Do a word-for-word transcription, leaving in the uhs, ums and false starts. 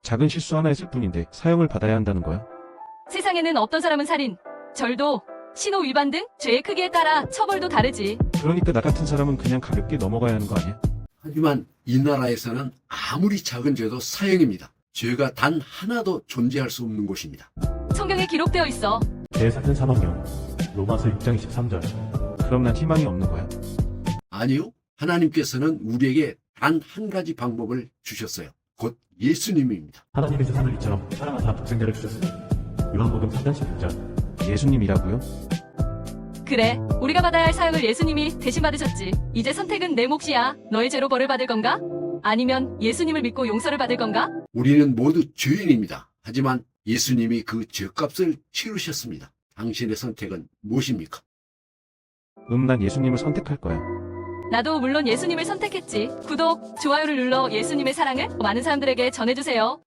작은 실수 하나 했을 뿐인데 사형을 받아야 한다는 거야? 세상에는 어떤 사람은 살인, 절도, 신호 위반 등 죄의 크기에 따라 처벌도 다르지. 그러니까 나 같은 사람은 그냥 가볍게 넘어가야 하는 거 아니야? 하지만 이 나라에서는 아무리 작은 죄도 사형입니다. 죄가 단 하나도 존재할 수 없는 곳입니다. 성경에 기록되어 있어. 대사는 사망령 로마서 육 장 이십삼 절. 그럼 난 희망이 없는 거야? 아니요. 하나님께서는 우리에게 단 한 가지 방법을 주셨어요. 곧 예수님입니다. 하나님께서 하늘 이처럼 사랑하사 독생자를 주셨으니 요한복음 삼 장 십육 절. 예수님이라고요? 그래, 우리가 받아야 할 사형을 예수님이 대신 받으셨지. 이제 선택은 내 몫이야. 너의 죄로 벌을 받을 건가? 아니면 예수님을 믿고 용서를 받을 건가? 우리는 모두 죄인입니다. 하지만 예수님이 그 죄값을 치르셨습니다. 당신의 선택은 무엇입니까? 음, 난 예수님을 선택할 거야. 나도 물론 예수님을 선택했지. 구독, 좋아요를 눌러 예수님의 사랑을 많은 사람들에게 전해주세요.